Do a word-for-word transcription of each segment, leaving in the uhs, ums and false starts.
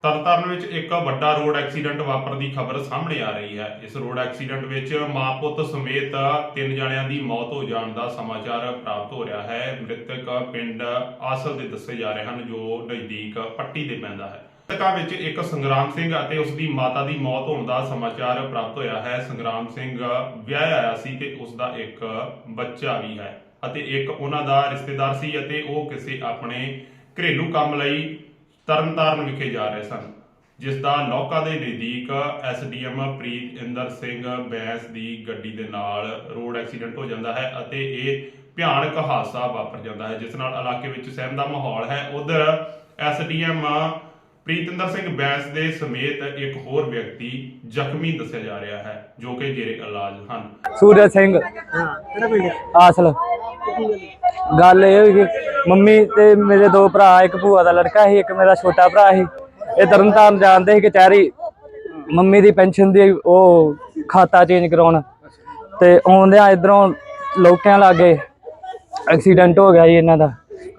ਤਰਨਤਾਰਨ ਵਿੱਚ ਇੱਕ ਵੱਡਾ ਰੋਡ ਐਕਸੀਡੈਂਟ ਵਾਪਰਨ ਦੀ ਖਬਰ ਸਾਹਮਣੇ ਆ ਰਹੀ ਹੈ। ਇਸ ਰੋਡ ਐਕਸੀਡੈਂਟ ਵਿੱਚ ਮਾਂ ਪੁੱਤ ਸਮੇਤ ਤਿੰਨ ਜਣਿਆਂ ਦੀ ਮੌਤ ਹੋ ਜਾਣ ਦਾ ਸਮਾਚਾਰ ਪ੍ਰਾਪਤ ਹੋ ਰਿਹਾ ਹੈ। ਮ੍ਰਿਤਕ ਪਿੰਡ ਆਸਲ ਦੇ ਦੱਸੇ ਜਾ ਰਹੇ ਹਨ, ਜੋ ਨਜ਼ਦੀਕ ਪੱਟੀ ਦੇ ਪੈਂਦਾ ਹੈ। ਮ੍ਰਿਤਕਾਂ ਵਿੱਚ ਇੱਕ ਸੰਗਰਾਮ ਸਿੰਘ ਅਤੇ ਉਸ ਦੀ ਮਾਤਾ ਦੀ ਮੌਤ ਹੋਣ ਦਾ ਸਮਾਚਾਰ ਪ੍ਰਾਪਤ ਹੋਇਆ ਹੈ। ਸੰਗਰਾਮ ਸਿੰਘ ਵਿਆਹ ਆਇਆ ਸੀ ਤੇ ਉਸ ਦਾ ਇੱਕ ਬੱਚਾ ਵੀ ਹੈ ਅਤੇ ਇੱਕ ਉਹਨਾਂ ਦਾ ਰਿਸ਼ਤੇਦਾਰ ਸੀ ਅਤੇ ਉਹ ਕਿਸੇ ਆਪਣੇ ਘਰੇਲੂ ਕੰਮ ਲਈ ਤਰਨਤਾਰਨ ਵਿਖੇ ਜਾ ਰਹੇ ਸਨ, ਜਿਸ ਦਾ ਲੋਕਾ ਦੇ ਨਜ਼ਦੀਕ S D M Pritinder Singh Bains ਦੀ ਗੱਡੀ ਦੇ ਨਾਲ ਰੋਡ ਐਕਸੀਡੈਂਟ ਹੋ ਜਾਂਦਾ ਹੈ ਅਤੇ ਇਹ ਭਿਆਨਕ ਹਾਦਸਾ ਵਾਪਰ ਜਾਂਦਾ ਹੈ, ਜਿਸ ਨਾਲ ਇਲਾਕੇ ਵਿੱਚ ਸਹਿਮ ਦਾ ਮਾਹੌਲ ਹੈ। ਉਧਰ S D M Pritinder Singh Bains ਦੇ ਸਮੇਤ ਇੱਕ ਹੋਰ ਵਿਅਕਤੀ ਜ਼ਖਮੀ ਦੱਸਿਆ ਜਾ ਰਿਹਾ ਹੈ, ਜੋ ਕਿ ਜੇਰੇ ਇਲਾਜ ਹਨ। ਸੂਰਜ ਸਿੰਘ ਆਸਲ। ਗੱਲ ਇਹ ਹੋਈ ਕਿ ਮੰਮੀ ਤੇ ਮੇਰੇ ਦੋ ਭਰਾ, ਇੱਕ ਭੂਆ ਦਾ ਲੜਕਾ ਸੀ, ਇੱਕ ਮੇਰਾ ਛੋਟਾ ਭਰਾ ਸੀ। ਇਹ ਤਰਨਤਾਰਨ ਜਾਂਦੇ ਸੀ ਕਚਹਿਰੀ ਮੰਮੀ ਦੀ ਪੈਨਸ਼ਨ ਦੀ ਉਹ ਖਾਤਾ ਚੇਂਜ ਕਰਾਉਣ, ਤੇ ਆਉਂਦਿਆਂ ਇਧਰੋਂ ਲੋਕਾਂ ਲਾਗੇ ਐਕਸੀਡੈਂਟ ਹੋ ਗਿਆ ਜੀ ਇਹਨਾਂ ਦਾ।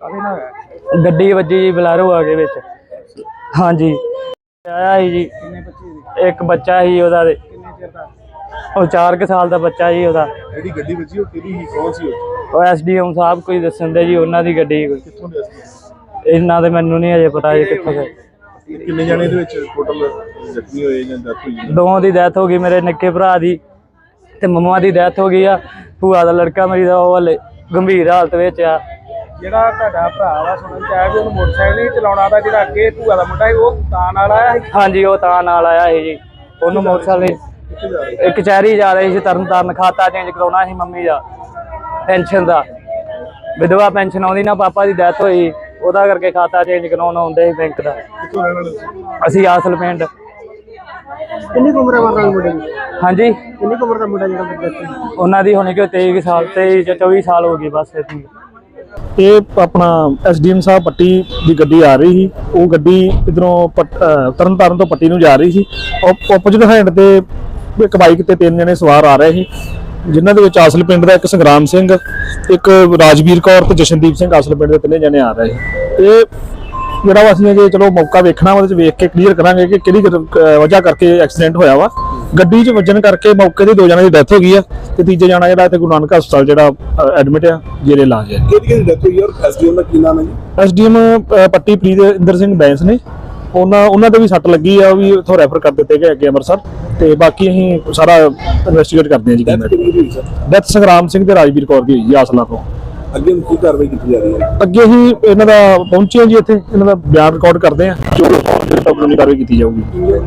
ਗੱਡੀ ਵੱਜੀ ਜੀ, ਬਲੈਰੋ ਆ ਗਏ ਵਿੱਚ। ਹਾਂਜੀ ਆਇਆ ਸੀ ਜੀ, ਇੱਕ ਬੱਚਾ ਸੀ ਉਹਦਾ, ਤੇ ਉਹ ਚਾਰ ਕੁ ਸਾਲ ਦਾ ਬੱਚਾ ਜੀ ਉਹਦਾ। ਜਿਹੜੀ ਗੱਡੀ ਵੱਜੀ ਉਹ ਕਿਹਦੀ ਸੀ, ਕੌਣ ਸੀ ਉਹ? ਉਹ ਐਸ ਡੀ ਐਮ ਸਾਹਿਬ ਕੋਈ ਦੱਸਣ ਦੇ ਜੀ, ਉਹਨਾਂ ਦੀ ਗੱਡੀ। ਕਿੱਥੋਂ ਦੇ ਸੀ? ਇਹਨਾਂ ਦੇ ਮੈਨੂੰ ਨਹੀਂ ਅਜੇ ਪਤਾ ਜੀ ਕਿੱਥੋਂ ਦੇ। ਕਿੰਨੇ ਜਾਣੇ ਦੇ ਵਿੱਚ ਟੋਟਲ ਜ਼ਖਮੀ ਹੋਏ ਜਾਂ ਡੈਥ ਹੋਈ? ਦੋਵਾਂ ਦੀ ਡੈਥ ਹੋ ਗਈ, ਮੇਰੇ ਨਿੱਕੇ ਭਰਾ ਦੀ ਤੇ ਮੰਮਾ ਦੀ ਡੈਥ ਹੋ ਗਈ ਆ। ਭੂਆ ਦਾ ਲੜਕਾ ਮੇਰੀ ਦਾ ਉਹ ਹਲੇ ਗੰਭੀਰ ਹਾਲਤ ਵਿੱਚ ਆ। ਜਿਹੜਾ ਤੁਹਾਡਾ ਭਰਾ ਵਾ ਸੁਣਨ ਚ ਆਇਆ ਵੀ ਉਹਨੂੰ ਮੋਟਰਸਾਈਕਲ ਨਹੀਂ ਚਲਾਉਣਾ ਆਉਂਦਾ, ਜਿਹੜਾ ਅੱਗੇ ਭੂਆ ਦਾ ਮੁੰਡਾ ਸੀ ਉਹ ਤਾਂ ਨਾਲ ਆਇਆ ਸੀ? ਹਾਂਜੀ, ਉਹ ਤਾਂ ਨਾਲ ਆਇਆ ਸੀ ਜੀ। ਉਹਨੂੰ ਮੋਟਰਸਾਈਕਲ ਇੱਕ ਕਚਹਿਰੀ ਜਾ ਰਹੀ ਸੀ ਤਰਨਤਾਰਨ, ਖਾਤਾ ਚੇਂਜ ਕਰਾਉਣਾ ਸੀ ਮੰਮੀ ਦਾ ਪੈਨਸ਼ਨ ਦਾ। ਵਿਧਵਾ ਪੈਨਸ਼ਨ ਆਉਂਦੀ ਨਾ, ਪਾਪਾ ਦੀ ਡੈਥ ਹੋਈ, ਉਹਦਾ ਕਰਕੇ ਖਾਤਾ ਚੇਂਜ ਕਰਾਉਣ ਆਉਂਦੇ ਸੀ ਬੈਂਕ ਦਾ। ਕਿੱਥੋਂ ਰਹਿਣ ਵਾਲੇ ਸੀ? ਅਸੀਂ ਆਸਲ ਪਿੰਡ। ਕਿੰਨੀ ਕੁ ਉਮਰ ਹੈ ਮਾਰਨ ਮੁੰਡੇ ਦੀ? ਹਾਂਜੀ, ਕਿੰਨੀ ਕੁ ਉਮਰ ਦਾ ਮੁੰਡਾ ਜਿਹੜਾ ਬੱਚਾ? ਉਹਨਾਂ ਦੀ ਹੋਣੀ ਕਿ ਤੇਈ ਸਾਲ, ਤੇਈ ਜਾਂ ਚੌਵੀ ਸਾਲ ਹੋ ਗਈ ਬਸ ਇਤਨੀ। ਇਹ ਆਪਣਾ ਐਸ ਡੀ ਐਮ ਸਾਹਿਬ ਪੱਟੀ ਦੀ ਗੱਡੀ ਆ ਰਹੀ ਸੀ। ਉਹ ਗੱਡੀ ਇਧਰੋਂ ਤਰਨਤਾਰਨ ਤੋਂ ਪੱਟੀ ਨੂੰ ਜਾ ਰਹੀ ਸੀ। ਓਪੋਜਿਟ ਹੈਂਡ ਤੇ ਇੱਕ ਬਾਈਕ ਤੇ ਤਿੰਨ ਜਣੇ ਸਵਾਰ ਆ ਰਹੇ ਸੀ, ਜਿਨ੍ਹਾਂ ਦੇ ਵਿੱਚ ਆਸਲ ਪਿੰਡ ਦਾ ਇੱਕ ਸੰਗਰਾਮ ਸਿੰਘ, ਇੱਕ ਰਾਜਵੀਰ ਕੌਰ ਤੇ ਜਸ਼ਨਦੀਪ ਸਿੰਘ ਆਸਲ ਪਿੰਡ ਦੇ ਤਿੰਨੇ ਜਣੇ ਆ ਰਹੇ ਸੀ। ਇਹ ਜਿਹੜਾ ਵਾ ਅਸੀਂ ਜੇ ਚਲੋ ਮੌਕਾ ਵੇਖਣਾ, ਉਹਦੇ ਚ ਵੇਖ ਕੇ ਕਲੀਅਰ ਕਰਾਂਗੇ ਕਿ ਕਿਹੜੀ ਵਜ੍ਹਾ ਕਰਕੇ ਐਕਸੀਡੈਂਟ ਹੋਇਆ ਵਾ। ਗੱਡੀ 'ਚ ਵੱਜਣ ਕਰਕੇ ਮੌਕੇ ਤੇ ਦੋ ਜਣਿਆਂ ਦੀ ਡੈਥ ਹੋ ਗਈ ਆ ਤੇ ਤੀਜੇ ਜਣਾ ਜਿਹੜਾ ਇੱਥੇ ਗੁਰੂ ਨਾਨਕ ਹਸਪਤਾਲ ਜਿਹੜਾ ਐਡਮਿਟ ਆ, ਜੇਰੇ ਇਲਾਜ ਹੈ। ਕਿਹਦੀ ਕਿਹਦੀ ਡੈਥ ਹੋਈ ਔਰ ਐਸ ਡੀ ਐਮ ਦਾ ਕੀ ਨਾਮ ਹੈ ਜੀ? S D M Patti Pritinder Singh Bains ਨੇ। ਉਹਨਾਂ ਉਹਨਾਂ ਦੇ ਵੀ ਸੱਟ ਲੱਗੀ ਆ, ਉਹ ਵੀ ਉੱਥੋਂ ਰੈਫਰ ਕਰ ਦਿੱਤੇ ਗਏ ਅੱਗੇ ਅੰਮ੍ਰਿਤਸਰ, ਤੇ ਬਾਕੀ ਅਸੀਂ ਸਾਰਾ ਇਨਵੈਸਟੀਗੇਟ ਕਰਦੇ ਹਾਂ ਜੀ। ਡੈਥ ਕਿਹਦੀ ਹੋਈ ਸਰ? ਡੈਥ ਸੰਗਰਾਮ ਸਿੰਘ ਤੇ ਰਾਜਵੀਰ ਕੌਰ ਦੀ ਹੋਈ ਜੀ ਆਸਲਾ ਤੋਂ। ਅੱਗੇ ਕੀ ਕਾਰਵਾਈ ਕੀਤੀ ਜਾ ਰਹੀ ਹੈ? ਅੱਗੇ ਹੀ ਇਹਨਾਂ ਦਾ ਪਹੁੰਚੇ ਹਾਂ ਜੀ, ਇੱਥੇ ਇਹਨਾਂ ਦਾ ਬਿਆਨ ਰਿਕਾਰਡ ਕਰਦੇ ਹਾਂ, ਜੋ ਕਾਨੂੰਨੀ ਕਾਰਵਾਈ ਕੀਤੀ ਜਾਊਗੀ।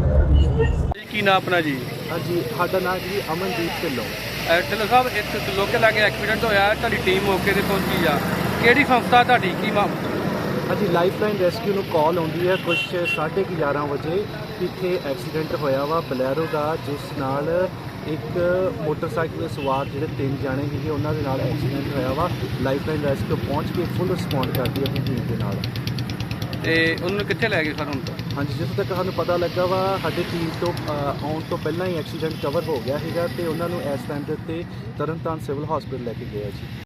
ਕੀ ਨਾਮ ਆਪਣਾ ਜੀ? ਹਾਂਜੀ, ਸਾਡਾ ਨਾਮ ਜੀ ਅਮਨਦੀਪ ਢਿੱਲੋਂ। ਢਿੱਲੋਂ ਸਾਹਿਬ, ਇੱਥੇ ਲੋਕੇ ਲਾਗੇ ਐਕਸੀਡੈਂਟ ਹੋਇਆ, ਤੁਹਾਡੀ ਟੀਮ ਮੌਕੇ ਤੇ ਪਹੁੰਚੀ ਆ, ਕਿਹੜੀ ਸੰਸਥਾ ਤੁਹਾਡੀ, ਕੀ ਮਾਮਲਾ? ਹਾਂਜੀ, ਲਾਈਫ ਲਾਈਨ ਰੈਸਕਿਊ ਨੂੰ ਕਾਲ ਆਉਂਦੀ ਹੈ ਕੁਛ ਸਾਢੇ ਕੁ ਗਿਆਰਾਂ ਵਜੇ। ਇੱਥੇ ਐਕਸੀਡੈਂਟ ਹੋਇਆ ਵਾ ਬਲੈਰੋ ਦਾ, ਜਿਸ ਨਾਲ ਇੱਕ ਮੋਟਰਸਾਈਕਲ ਦੇ ਸਵਾਰ ਜਿਹੜੇ ਤਿੰਨ ਜਾਣੇ ਸੀਗੇ ਉਹਨਾਂ ਦੇ ਨਾਲ ਐਕਸੀਡੈਂਟ ਹੋਇਆ ਵਾ। ਲਾਈਫ ਲਾਈਨ ਰੈਸਕਿਊ ਪਹੁੰਚ ਕੇ ਫੁੱਲ ਰਿਸਪੌਂਡ ਕਰਦੀ ਹੈ ਆਪਣੀ ਟੀਮ ਦੇ ਨਾਲ। ਤੇ ਉਹਨੂੰ ਕਿੱਥੇ ਲੈ ਗਏ ਸਰ ਹੁਣ ਤੱਕ? ਹਾਂਜੀ, ਜਿੱਥੋਂ ਤੱਕ ਸਾਨੂੰ ਪਤਾ ਲੱਗਾ ਵਾ, ਸਾਡੀ ਟੀਮ ਤੋਂ ਆਉਣ ਤੋਂ ਪਹਿਲਾਂ ਹੀ ਐਕਸੀਡੈਂਟ ਕਵਰ ਹੋ ਗਿਆ ਸੀਗਾ ਤੇ ਉਹਨਾਂ ਨੂੰ ਇਸ ਟਾਈਮ ਦੇ ਉੱਤੇ ਤਰਨਤਾਰਨ ਸਿਵਲ ਹਸਪੀਟਲ ਲੈ ਕੇ ਗਏ ਜੀ।